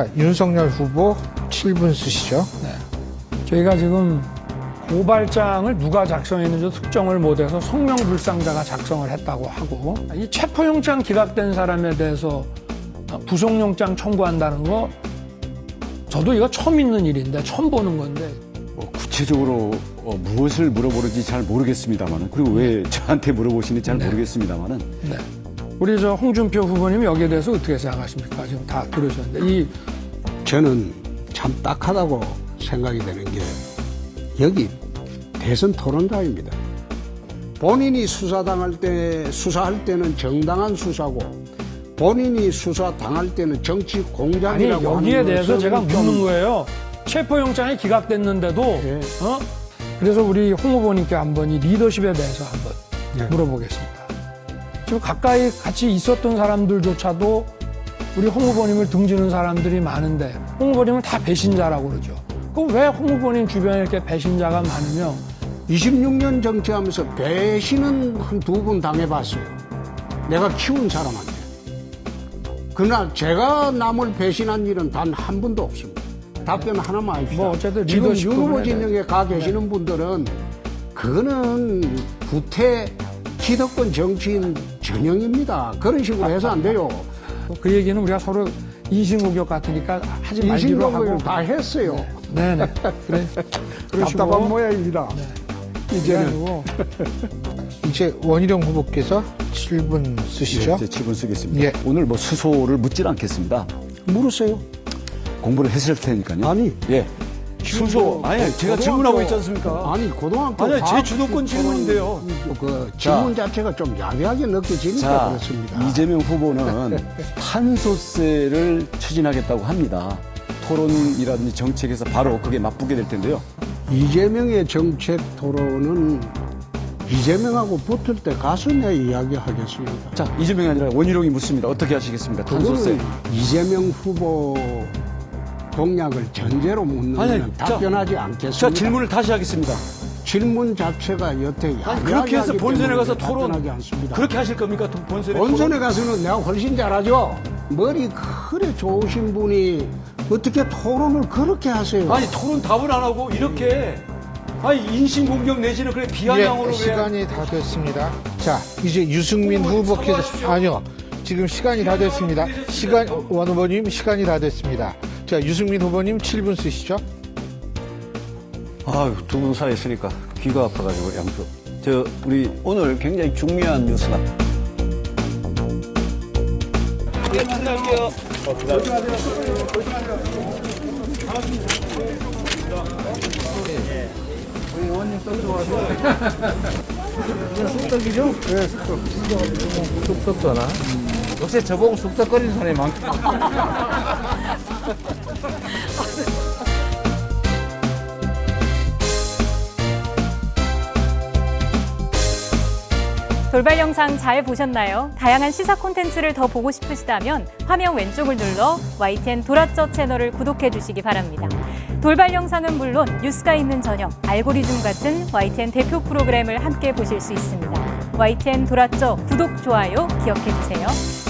자, 윤석열 후보 7분 쓰시죠. 네. 저희가 지금 고발장을 누가 작성했는지 특정을 못해서 성명불상자가 작성을 했다고 하고, 이 체포영장 기각된 사람에 대해서 구속영장 청구한다는 거 저도 이거 처음 있는 일인데, 처음 보는 건데. 구체적으로 무엇을 물어보는지 잘 모르겠습니다만은, 그리고 왜 저한테 물어보시는지 잘 모르겠습니다만은. 네. 우리 저 홍준표 후보님 여기에 대해서 어떻게 생각하십니까? 지금 다 들으셨는데. 저는 참 딱하다고 생각이 되는 게, 여기 대선 토론자입니다. 본인이 수사할 때는 정당한 수사고, 본인이 수사당할 때는 정치 아니, 공작이라고 여기에 하는 대해서 것은 제가 좀 묻는 거예요. 체포영장이 기각됐는데도, 예. 그래서 우리 홍 후보님께 한번 이 리더십에 대해서 한번 예. 물어보겠습니다. 지금 가까이 같이 있었던 사람들조차도 우리 홍 후보님을 등지는 사람들이 많은데, 홍 후보님은 다 배신자라고 그러죠. 그럼 왜 홍 후보님 주변에 이렇게 배신자가 많으며? 26년 정치하면서 배신은 한 2번 당해봤어요. 내가 키운 사람한테. 그러나 제가 남을 배신한 일은 단 한 번도 없습니다. 답변 하나만 합시다. 뭐 어쨌든 지금 리더십 윤 후보 부분에 진영에 가 계시는 분들은 그거는 구태 기득권 정치인 전형입니다. 그런 식으로 해서 안 돼요. 그 얘기는 우리가 서로 인신공격 같으니까 하지 말기로 하고. 인신공격을 다 했어요. 네네. 그래. 답답한 모양입니다. 이제는. 그래가지고 이제 원희룡 후보께서 7분 쓰시죠. 제 7분 쓰겠습니다. 예. 오늘 뭐 수소를 묻질 않겠습니다. 물으세요. 공부를 했을 테니까요. 아니. 예. 수소. 아니, 제가 질문하고 있지 않습니까? 아니, 고등학교. 아니, 제 과학 주도권 질문인데요. 그 질문 자체가 좀 야비하게 느껴지니까 자, 그렇습니다. 이재명 후보는 탄소세를 추진하겠다고 합니다. 토론이라든지 정책에서 바로 그게 맞붙게 될 텐데요. 이재명의 정책 토론은 이재명하고 붙을 때 가서 내 이야기하겠습니다. 자, 이재명이 아니라 원희룡이 묻습니다. 어떻게 하시겠습니까? 탄소세. 그거는 이재명 후보 공약을 전제로 묻는 아니, 건 답변하지 않겠습니다. 자, 질문을 다시 하겠습니다. 질문 자체가 여태 아니, 그렇게 해서 야비하기 본선에 때문에 가서 토론, 답변하지 않습니다. 그렇게 하실 겁니까? 본선에 본선에 가서는 내가 훨씬 잘하죠. 머리 그래 좋으신 분이 어떻게 토론을 그렇게 하세요? 아니, 토론 답을 안 하고 이렇게, 아니, 인신공격 내지는 그래 비아냥으로 왜. 시간이 다 됐습니다. 자, 이제 유승민 후보께서, 아니요. 지금 시간이 다 됐습니다. 원 후보님 시간이 다 됐습니다. 자, 유승민 후보님 7분 쓰시죠. 아유, 두 분 사이에 있으니까 귀가 아파가지고 양쪽. 우리 오늘 굉장히 중요한 뉴스가. 쑥떡잖아. 요새 저보고 쑥떡거리는 사람이 많다. 돌발 영상 잘 보셨나요? 다양한 시사 콘텐츠를 더 보고 싶으시다면 화면 왼쪽을 눌러 YTN 돌아쩌 채널을 구독해 주시기 바랍니다. 돌발 영상은 물론 뉴스가 있는 저녁, 알고리즘 같은 YTN 대표 프로그램을 함께 보실 수 있습니다. YTN 돌아쩌 구독, 좋아요 기억해 주세요.